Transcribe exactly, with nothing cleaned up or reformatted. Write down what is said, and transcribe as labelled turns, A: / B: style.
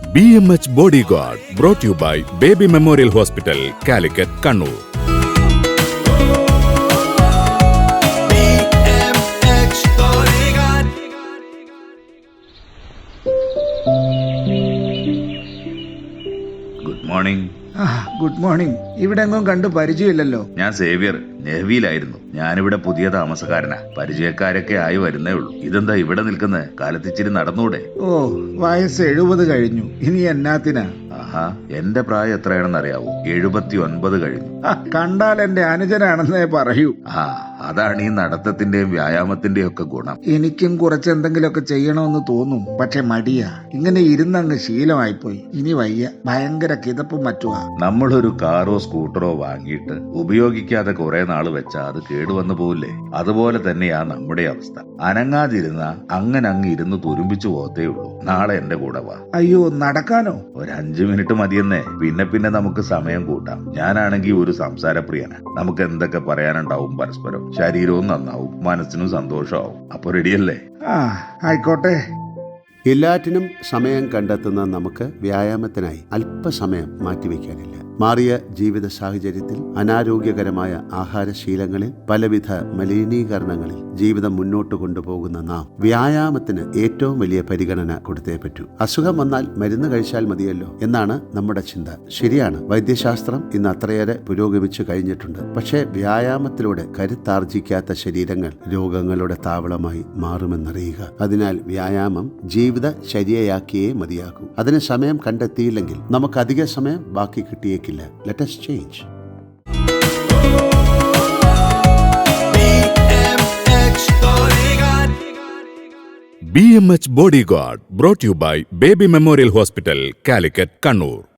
A: B M H bodyguard brought you by baby memorial hospital, Calicut, Kannur.
B: Good morning.
C: Good morning. ഇവിടെ എങ്ങും കണ്ടു പരിചയമില്ലല്ലോ.
B: ഞാൻ Xavier, നേവിയിലായിരുന്നു. ഞാനിവിടെ പുതിയ താമസക്കാരനാ. പരിചയക്കാരൊക്കെ ആയി വരുന്നേ ഉള്ളൂ. ഇതെന്താ ഇവിടെ നിൽക്കുന്നത്? കാലത്തിച്ചിരി നടന്നൂടെ?
C: ഓ, വയസ്സ് എഴുപത് കഴിഞ്ഞു. ഇനി എന്നാത്തിനാ?
B: ആഹാ, എന്റെ പ്രായം എത്രയാണെന്ന് അറിയാവോ? എഴുപത്തി ഒൻപത് കഴിഞ്ഞു.
C: കണ്ടാൽ എന്റെ അനുജനാണെന്നേ പറയൂ.
B: ആ, അതാണ് ഈ നടത്തത്തിന്റെയും വ്യായാമത്തിന്റെയും ഒക്കെ ഗുണം.
C: എനിക്കും കുറച്ചെന്തെങ്കിലുമൊക്കെ ചെയ്യണമെന്ന് തോന്നും, പക്ഷെ മടിയാ. ഇങ്ങനെ ഇരുന്നങ്ങ് ശീലമായിപ്പോയി. ഇനി വയ്യ, ഭയങ്കര കിതപ്പും മറ്റുവാ.
B: നമ്മളൊരു കാറോ സ്കൂട്ടറോ വാങ്ങിയിട്ട് ഉപയോഗിക്കാതെ കുറെ നാള് വെച്ചാ അത് കേടുവന്നു പോവില്ലേ? അതുപോലെ തന്നെയാ നമ്മുടെ അവസ്ഥ. അനങ്ങാതിരുന്ന അങ്ങനെ അങ്ങ് ഇരുന്ന് തുരുമ്പിച്ചു പോകത്തേ ഉള്ളൂ. നാളെ എന്റെ കൂടെ വാ.
C: അയ്യോ, നടക്കാനോ?
B: ഒരു അഞ്ചു മിനിറ്റ് മതിയെന്നേ. പിന്നെ പിന്നെ നമുക്ക് സമയം കൂട്ടാം. ഞാനാണെങ്കിൽ ഒരു സംസാരപ്രിയനാ. നമുക്ക് എന്തൊക്കെ പറയാനുണ്ടാവും പരസ്പരം. ശരീരവും നന്നാവും, മനസ്സിനും സന്തോഷമാവും. അപ്പൊ റെഡിയല്ലേ?
C: ആ, ആയിക്കോട്ടെ.
D: എല്ലാറ്റിനും സമയം കണ്ടെത്തുന്ന നമുക്ക് വ്യായാമത്തിനായി അല്പസമയം മാറ്റിവെക്കാനില്ല. മാറിയ ജീവിത സാഹചര്യത്തിൽ, അനാരോഗ്യകരമായ ആഹാരശീലങ്ങളിൽ, പലവിധ മലിനീകരണങ്ങളിൽ ജീവിതം മുന്നോട്ട് കൊണ്ടുപോകുന്ന നാം വ്യായാമത്തിന് ഏറ്റവും വലിയ പരിഗണന കൊടുത്തേ പറ്റൂ. അസുഖം വന്നാൽ മരുന്ന് കഴിച്ചാൽ മതിയല്ലോ എന്നാണ് നമ്മുടെ ചിന്ത. ശരിയാണ്, വൈദ്യശാസ്ത്രം ഇന്ന് അത്രയേറെ പുരോഗമിച്ചു കഴിഞ്ഞിട്ടുണ്ട്. പക്ഷേ വ്യായാമത്തിലൂടെ കരുത്താർജിക്കാത്ത ശരീരങ്ങൾ രോഗങ്ങളുടെ താവളമായി മാറുമെന്നറിയുക. അതിനാൽ വ്യായാമം ജീവിത ശരിയാക്കിയേ മതിയാകൂ. അതിന് സമയം കണ്ടെത്തിയില്ലെങ്കിൽ നമുക്ക് അധിക സമയം ബാക്കി കിട്ടിയേക്കില്ല. Let us change.
A: B M H bodyguard brought you by baby memorial hospital, Calicut, Kannur.